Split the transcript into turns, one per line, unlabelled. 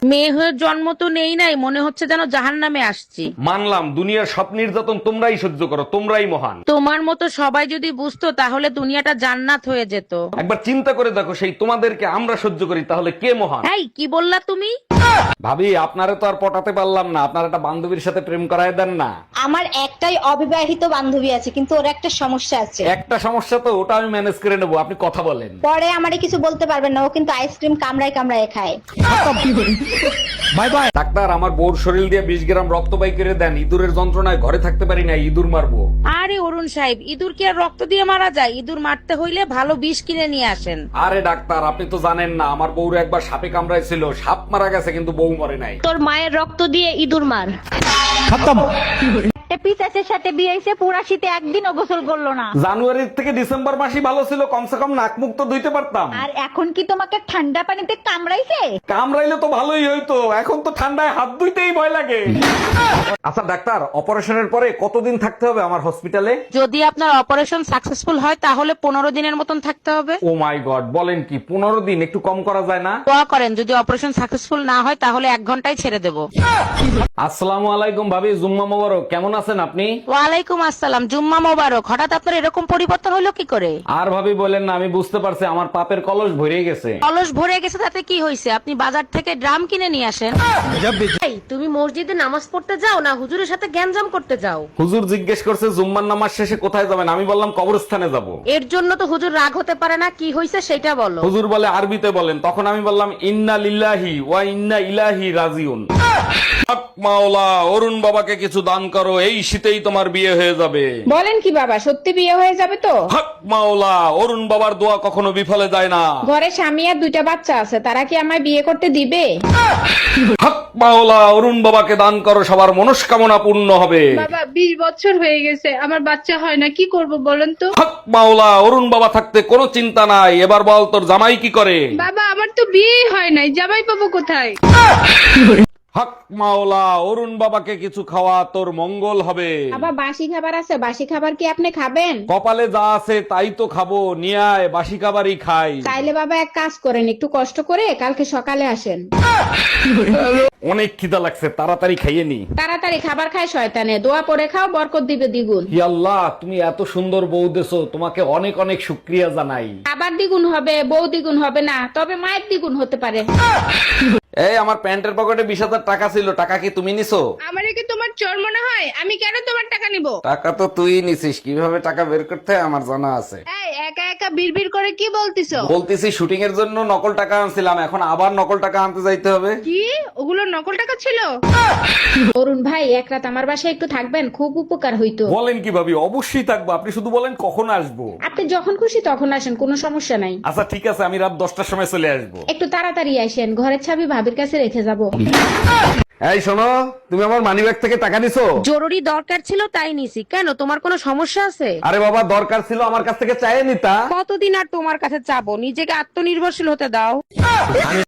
মেয়ে হয়ে জন্ম তো নেই নাই, মনে হচ্ছে যেন জাহান্নামে আসছি।
মানলাম দুনিয়ার সব নির্যাতন তোমরাই সহ্য করো, তোমরাই মহান।
তোমার মতো সবাই যদি বুঝতো তাহলে দুনিয়াটা জান্নাত হয়ে যেত।
একবার চিন্তা করে দেখো, সেই তোমাদেরকে আমরা সহ্য করি, তাহলে কে মহান?
এই কি বললা তুমি?
ভাবি, আপনারে তো আর পটাতে পারলাম না, আপনার একটা বান্ধবীর সাথে প্রেম করায় দেন না।
আমার একটাই অবিবাহিত বান্ধবী আছে, কিন্তু ওর একটা সমস্যা আছে।
একটা সমস্যা তো, ওটা আমি ম্যানেজ করে নেবো, আপনি কথা বলেন।
পরে আমারে কিছু বলতে পারবেন না, ও কিন্তু আইসক্রিম কামড়ায় কামড়ায় খায়।
Bye bye. ডাক্তার, আমার বউর শরীর দিয়ে 20 গ্রাম রক্ত বাই করে দেন, ইঁদুরের যন্ত্রণায় ঘরে থাকতে পারি না, ইঁদুর মারবো।
আরে অরুণ সাহেব, ইঁদুর কি আর রক্ত দিয়ে মারা যায়? ইঁদুর মারতে হইলে ভালো বিষ কিনে নিয়ে আসেন।
আরে ডাক্তার, আপনি তো জানেন না, আমার বউর একবার সাপে কামড়াইছিল, সাপ মারা গেছে কিন্তু বউ মরে নাই।
তোর মায়ের রক্ত দিয়ে ইঁদুর মার। একটা পিসাচের সাথে বিয়ে হইছে, পুরা শীতে একদিনও গোসল করলো না।
জানুয়ারি থেকে ডিসেম্বর মাসই ভালো ছিল, কমসে কম নাক মুখ তো ধুইতে পারতাম।
আর এখন কি তোমাকে ঠান্ডা পানিতে কামড়াইছে?
কামড়াইলে তো ভালোই হইতো, এখন তো ঠান্ডায় হাত ধুইতেই ভয় লাগে। আচ্ছা ডাক্তার, অপারেশনের পরে কতদিন থাকতে হবে আমার হসপিটালে?
যদি আপনার অপারেশন সাকসেসফুল হয় তাহলে 15 দিনের মতন থাকতে হবে।
ও মাই গড, বলেন কি? 15 দিন? একটু কম করা যায় না?
দোয়া করেন, যদি অপারেশন সাকসেসফুল না হয় তাহলে 1 ঘন্টায় ছেড়ে দেব।
আসসালামু আলাইকুম ভাবি, জুম্মা মোবারক। কেমন আছেন আপনি?
ওয়ালাইকুম আসসালাম, জুম্মা মোবারক। হঠাৎ আপনার এরকম পরিবর্তন হলো কি করে?
আর ভাবি বলেন না, আমি বুঝতে পারছি আমার পাপের কলস ভরে গেছে।
কলস ভরে গেছে তাতে কি হয়েছে? আপনি বাজার থেকে ড্রাম কিনে নিয়ে আসেন। এই, তুমি মসজিদে নামাজ পড়তে যাও না হুজুরের সাথে গ্যাঞ্জাম করতে যাও?
হুজুর জিজ্ঞেস করছে জুম্মার নামাজ শেষে কোথায় যাবেন, আমি বললাম কবরস্থানে যাব।
এর জন্য তো হুজুর রাগ হতে পারে না, কি হয়েছে সেটা বলো।
হুজুর বলে আরবিতে বলেন, তখন আমি বললাম ইন্না লিল্লাহি ওয়া ইন্না ইলাইহি রাজিউন। হক মাওলা, অরুণ বাবাকে কিছু দান করো, এই শীতেই তোমার বিয়ে হয়ে যাবে।
বলেন কি বাবা, সত্যি বিয়ে হয়ে যাবে তো?
হক মাওলা, অরুণ বাবার দোয়া কখনো বিফলে যায় না।
ঘরে স্বামী আর 2টা বাচ্চা আছে, তারা কি আমায় বিয়ে করতে দিবে?
হক মাওলা, অরুণ বাবাকে দান করো, সবার মনস্কামনা পূর্ণ হবে।
বাবা 20 বছর হয়ে গেছে, আমার বাচ্চা হয় না, কি করব বলেন তো?
হক মাওলা, অরুণ বাবা থাকতে কোনো চিন্তা নাই। এবার বল, তোর জামাই কি করে?
বাবা আমার তো বিয়েই হয় নাই, জামাই পাবো কোথায়?
হক মাওলা, অরুণ বাবাকে কিছু খাওয়া, তোর মঙ্গল হবে।
বাবা বাসি খাবার আছে, বাসি খাবার কি আপনি খাবেন?
কপালে যা আছে তাই তো খাবো, নিয়ে আয়, বাসি খাবারই খাই।
তাইলে বাবা এক কাজ করেন, একটু কষ্ট করে কালকে সকালে আসেন।
অনেক খিদা লাগছে, তাড়াতাড়ি খাইয়ে নি।
তাড়াতাড়ি খাবার খায় শয়তানে, দোয়া পড়ে খাও, বরকত দিবে দ্বিগুণ।
হি আল্লাহ, তুমি এত সুন্দর বউ দেছো, তোমাকে অনেক অনেক শুকরিয়া জানাই।
খাবার দ্বিগুণ হবে, বউ দ্বিগুণ হবে না, তবে মায়ের দ্বিগুণ হতে পারে।
এই, আমার প্যান্টের পকেটে 20,000 টাকা ছিল, টাকা কি তুমি নিছো?
আমারে কি তোমার চোর মনে হয়? আমি কেন তোমার টাকা নিব?
টাকা তো তুই নিছিস, কিভাবে টাকা বের করতে হয় আমার জানা আছে।
এই একা একা বিড়বিড় করে কি বলতিছো?
বলতেছি শুটিং এর জন্য নকল টাকা আনছিলাম, এখন আবার নকল টাকা আনতে যাইতে হবে।
কি ওগুলো নকল টাকা ছিল?
অরুণ ভাই, এক রাত আমার বাসায় একটু থাকবেন, খুব উপকার হইতো।
বলেন কি ভাবি, অবশ্যই থাকবো, আপনি শুধু বলেন কখন আসবো।
আপনি যখন খুশি তখন আসেন, কোনো সমস্যা নাই।
আচ্ছা ঠিক আছে, আমি রাত 10টার সময় চলে আসবো।
একটু তাড়াতাড়ি আসেন, ঘরের চাবি ভাবির কাছে রেখে যাব।
এই শোনো, তুমি আমার মানিব্যাগ থেকে টাকা নিছো?
জরুরি দরকার ছিল তাই নিছি। কেন, তোমার কোনো সমস্যা আছে?
আরে বাবা, দরকার ছিল, আমার কাছ থেকে চাইয়ে নিতা।
কতদিন আর তোমার কাছে চাবো? নিজেকে আত্মনির্ভরশীল হতে দাও।